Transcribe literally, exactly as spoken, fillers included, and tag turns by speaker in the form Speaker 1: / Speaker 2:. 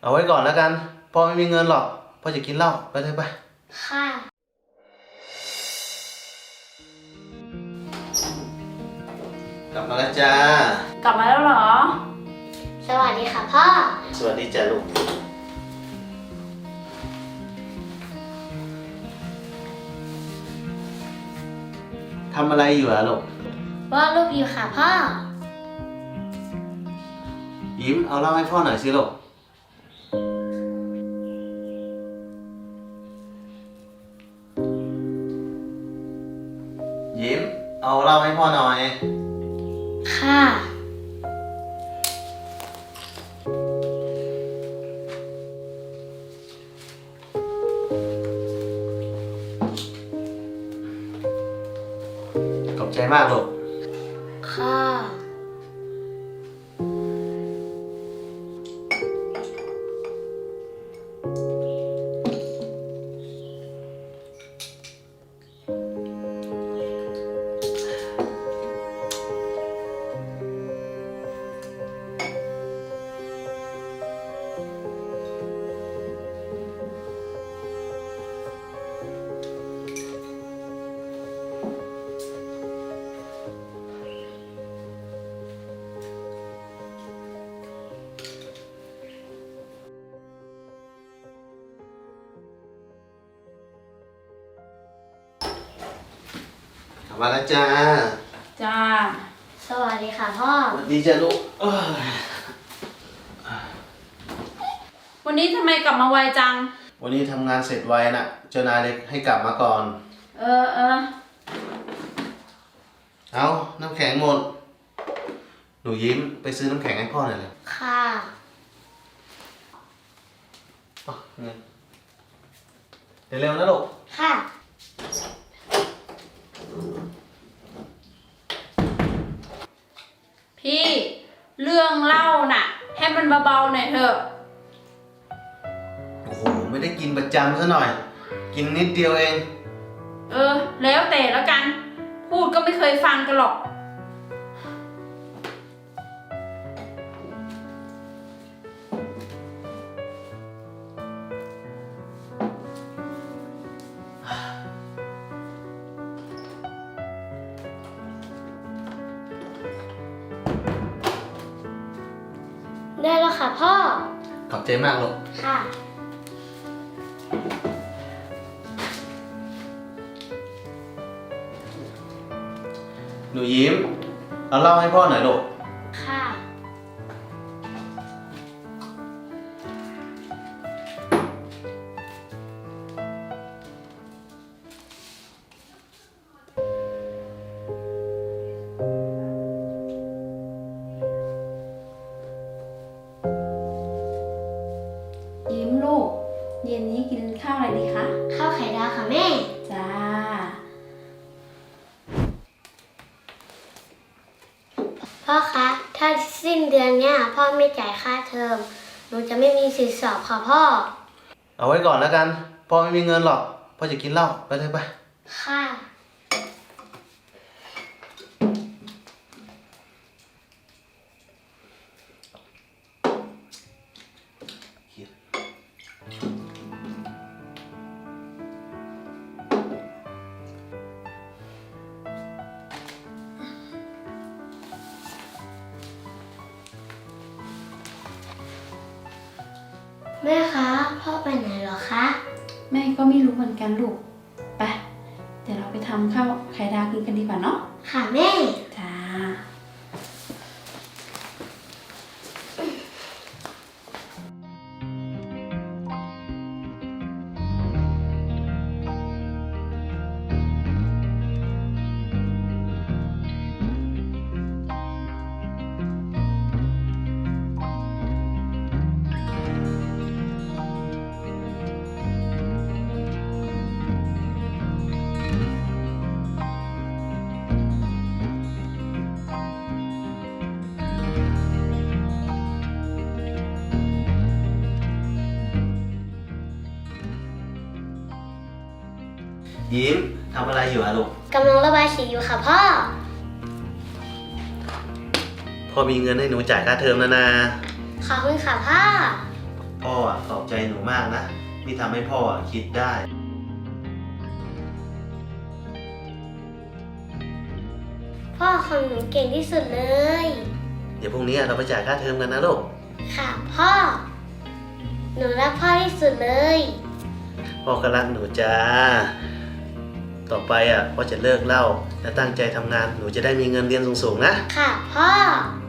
Speaker 1: เอาไว้ก่อนแล้วกันพ่อไม่มีเงินหรอกพ่อจะกินเหล้าไปเถอะไป
Speaker 2: ค่ะ
Speaker 1: กลับมาแล้วจ้าก
Speaker 3: ลับมาแล้วเหรอ
Speaker 2: สวัสดีค่ะพ่อ
Speaker 1: สวัสดีจ้าลูกทำอะไรอยู่อะลูก
Speaker 2: วาดรูปอยู่ค่ะพ่อ
Speaker 1: ยิ้มเอาเหล้าให้พ่อหน่อยสิลูกยิ้มเอาเหล้าให้พ่อหน่อย
Speaker 2: ค่ะ
Speaker 1: ขอบใจมากลูก
Speaker 2: ค่ะ
Speaker 1: มาแล้วจ้า
Speaker 3: จ้า
Speaker 2: สวัสดีค่ะพ่อ
Speaker 1: สวัสดีจ้าลูก
Speaker 3: วันนี้ทำไมกลับมาไวจัง
Speaker 1: วันนี้ทำงานเสร็จไวน่ะเจ้านายเลยให้กลับมาก่อน
Speaker 3: เออเออ
Speaker 1: เอาน้ำแข็งหมดหนูยิ้มไปซื้อน้ำแข็งให้พ่อหน่อยเลย
Speaker 2: ค่ะ
Speaker 1: อ๋อเงินเดี๋ยวเร็วนะลูก
Speaker 2: ค่ะ
Speaker 3: พี่เรื่องเล่าน่ะให้มันเบาๆหน่อยเถอะ
Speaker 1: โอ้โหไม่ได้กินประจำซะหน่อยกินนิดเดียวเอง
Speaker 3: เออแล้วแต่แล้วกันพูดก็ไม่เคยฟังกันหรอก
Speaker 2: ได้แล้วค่ะพ่อ
Speaker 1: ขอบใจมากลูก
Speaker 2: ค่ะ
Speaker 1: หนูยิ้มเอาเหล้าให้พ่อหน่อยลูก
Speaker 2: ค่ะ
Speaker 3: ยิ้มลูกเย็นนี้กินข้าวอะไรดีคะ
Speaker 2: ข้าวไข่ดาวค่ะแม่
Speaker 3: จ้า
Speaker 2: พ่อคะถ้าสิ้นเดือนเนี้ยพ่อไม่จ่ายค่าเทอมหนูจะไม่มีสิทธิ์สอบค่ะพ่อ
Speaker 1: เอาไว้ก่อนแล้วกันพ่อไม่มีเงินหรอกพ่อจะกินเหล้าไปเลยไป
Speaker 2: ค่ะแม่คะพ่อไปไหนเหรอคะ
Speaker 3: แม่ก็ไม่รู้เหมือนกันลูกไปเดี๋ยวเราไปทำข้าวไข่ดาวกินกันดีกว่าเนาะ
Speaker 2: ค่ะแม่
Speaker 3: จ้า
Speaker 1: ยิ้มทำอะไรอยู่อะลูก
Speaker 2: กำลังระบายสีอยู่ค่ะพ่อ
Speaker 1: พ่อมีเงินให้หนูจ่ายค่าเทอมแล้วนะ
Speaker 2: ขอบคุณค่ะพ่อ
Speaker 1: พ่ออ่ะขอบใจหนูมากนะที่ทำให้พ่ออ่ะคิดได้
Speaker 2: พ่อของหนูเก่งที่สุดเลย
Speaker 1: เดี๋ยวพรุ่งนี้เราไปจ่ายค่าเทอมกันนะลูก
Speaker 2: ค่ะพ่อ หนูรักพ่อที่สุดเลย
Speaker 1: พ่อก็รักหนูจ้า ต่อไปอ่ะพ่อจะเลิกเหล้าและตั้งใจทำงานหนูจะได้มีเงินเรียนสูงๆนะ
Speaker 2: ค่ะพ่อ